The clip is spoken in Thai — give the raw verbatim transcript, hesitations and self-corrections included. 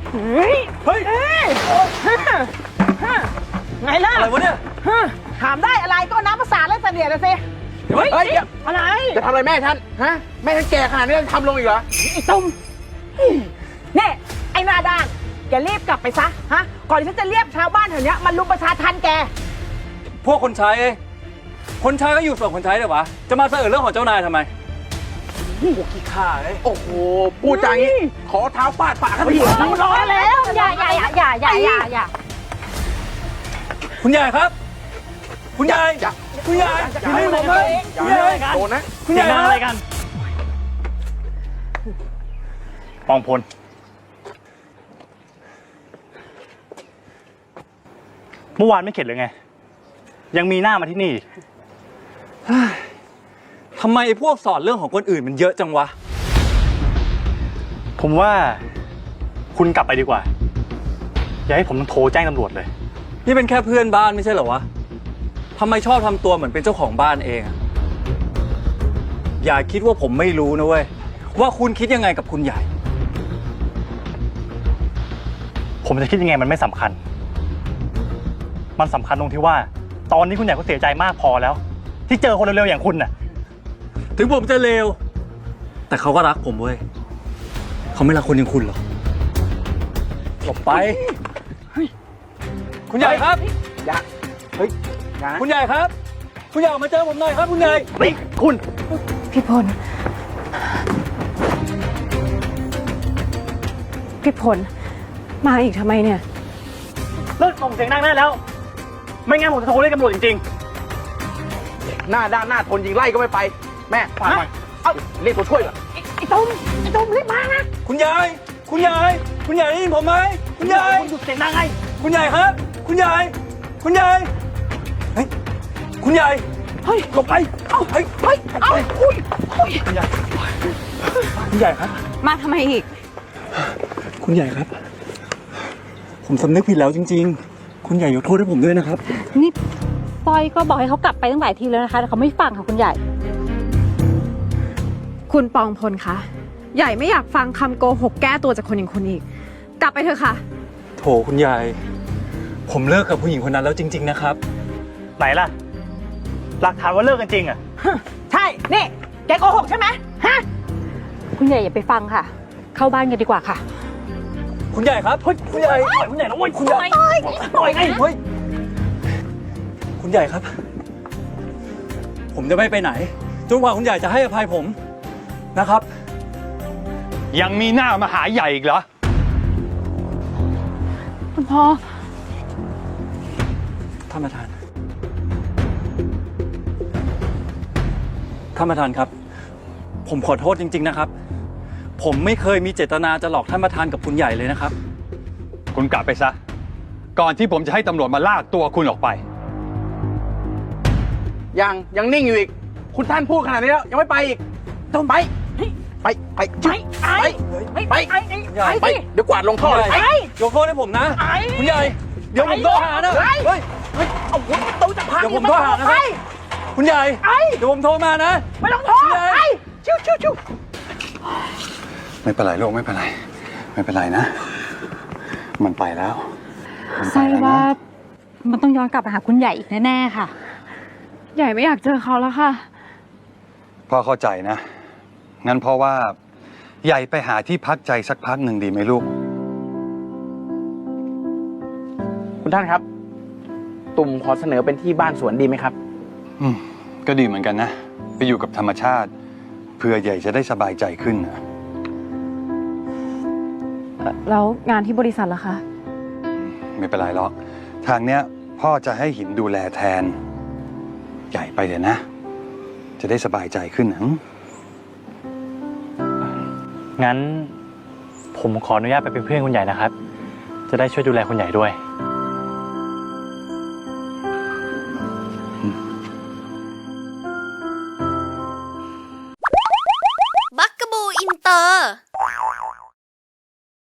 เฮ้ยเฮ้ยไงล่ะอะไรวะเนี่ยถามได้อะไรก็น้ำประสาทและเสนียดนะสิเฮ้ยอะไรจะทำอะไรแม่ฉันฮะแม่ฉันแก่ขนาดนี้ทำลงอีกเหรอไอ้ตุ้มเนี่ยไอ้หน้าด้านแกรีบกลับไปซะฮะก่อนที่ฉันจะเรียกชาวบ้านแถวนี้มันลุมประชาทันแกพวกคนใช้คนใช้ก็อยู่ส่วนคนใช้เลยวะจะมาเสนอเรื่องของเจ้านายทำไมนี่หัวขี้ข้าเลยโอ้โหพูดจางี้ขอเท้าฟาดปากท่านพี่ร้อนแล้วอย่าอย่าอย่าอย่าอย่าอย่าคุณใหญ่ครับคุณใหญ่คุณใหญ่คุณใหญ่ผมเลยคุณใหญ่โดนนะคุณใหญ่อะไรกันปองพลเมื่อวานไม่เข็ดเลยไงยังมีหน้ามาที่นี่ทำไมไอ้พวกสอนเรื่องของคนอื่นมันเยอะจังวะผมว่าคุณกลับไปดีกว่าอย่าให้ผมต้องโทรแจ้งตำรวจเลยนี่เป็นแค่เพื่อนบ้านไม่ใช่เหรอวะทำไมชอบทำตัวเหมือนเป็นเจ้าของบ้านเองอะอย่าคิดว่าผมไม่รู้นะเว้ยว่าคุณคิดยังไงกับคุณใหญ่ผมจะคิดยังไงมันไม่สำคัญมันสำคัญตรงที่ว่าตอนนี้คุณใหญ่ก็เสียใจมากพอแล้วที่เจอคนเร็วๆอย่างคุณน่ะถึงผมจะเลวแต่เขาก็รักผมเว้ยเขาไม่รักคนอย่างคุณหรอกหลบไปคุณใหญ่ครับอย่าเฮ้ยคุณใหญ่ครับคุณใหญ่ออกมาเจอผมหน่อยครับคุณใหญ่นี่คุณพี่พลพี่พลมาอีกทำไมเนี่ยเลิกส่งเสียงดังได้แล้วไม่งั้นผมจะโทรเรียกตำรวจจริงๆหน้าด้านหน้าทนยิงไล่ก็ไม่ไปแม่ฝากหน่อยเอาเรียกตัวช่วยก่อนไอ้ตุ้มไอ้ตุ้มรีบมานะคุณยายคุณยายคุณยายได้ยินผมไหมคุณยายคุณหยุดเสียงดังไงคุณยายครับคุณยายคุณยายเฮ้ยคุณยายเฮ้ยหลบไปเอ้าเฮ้ยเฮ้ยเอ้าอุ้ยคุณยายคุณยายครับมาทำไมอีกคุณยายครับผมสำนึกผิดแล้วจริงๆคุณใหญ่ยกโทษให้ผมด้วยนะครับนี่ปอยก็บอกให้เขากลับไปตั้งหลายทีแล้วนะคะแต่เขาไม่ฟังค่ะคุณใหญ่คุณปองพลคะใหญ่ไม่อยากฟังคำโกหกแก้ตัวจากคนอย่างคุณอีกกลับไปเถอะค่ะโถคุณยายผมเลิกกับผู้หญิงคนนั้นแล้วจริงๆนะครับไหนล่ะหลักฐานว่าเลิกกันจริงอ่ะใช่นี่แกโกหกใช่ไหมฮะคุณใหญ่อย่าไปฟังค่ะเข้าบ้านกันดีกว่าค่ะคุณใหญ่ครับเฮ้ยคุณใหญ่คุณใหญ่นะเว้ยคุณใหญ่ปล่อยไงเฮ้ยคุณใหญ่ครับผมจะไม่ไปไหนจนกว่าคุณใหญ่จะให้อภัยผมนะครับยังมีหน้ามาหาใหญ่อีกเหรอคุณพ่อท่านประธานท่านประธานครับผมขอโทษจริงๆนะครับผมไม่เคยมีเจตนาจะหลอกท่านประธานกับคุณใหญ่เลยนะครับคุณกลับไปซะก่อนที่ผมจะให้ตำรวจมาลากตัวคุณออกไปยังยังนิ่งอยู่อีกคุณท่านพูดขนาดนี้แล้วยังไม่ไปอีกต้องไปไปไปไปไปไปไปเดี๋ยวกวาดลงท่อเลยยกโทษให้ผมนะคุณใหญ่เดี๋ยวผมโทรหานะเฮ้ยเฮ้ยเอาหัวตู้จะพังเดี๋ยวผมโทรหานะครับคุณใหญ่เดี๋ยวผมโทรมานะไม่ต้องโทรไปชิวชิวชิวไม่เป็นไรโลกไม่เป็นไรไม่เป็นไรนะมันไปแล้วใช่ว่ามันต้องย้อนกลับไปหาคุณใหญ่อีกแน่ๆค่ะใหญ่ไม่อยากเจอเขาแล้วค่ะพ่อเข้าใจนะงั้นเพราะว่าใหญ่ไปหาที่พักใจสักพักหนึ่งดีไหมลูกคุณท่านครับตุ่มขอเสนอเป็นที่บ้านสวนดีไหมครับอืมก็ดีเหมือนกันนะไปอยู่กับธรรมชาติเพื่อใหญ่จะได้สบายใจขึ้นนะแล้วงานที่บริษัทล่ะคะไม่เป็นไรหรอกทางเนี้ยพ่อจะให้หินดูแลแทนใหญ่ไปเดี๋ยวนะจะได้สบายใจขึ้นนะงั้นผมขออนุญาตไปเป็นเพื่อนคุณใหญ่นะครับจะได้ช่วยดูแลคุณใหญ่ด้วย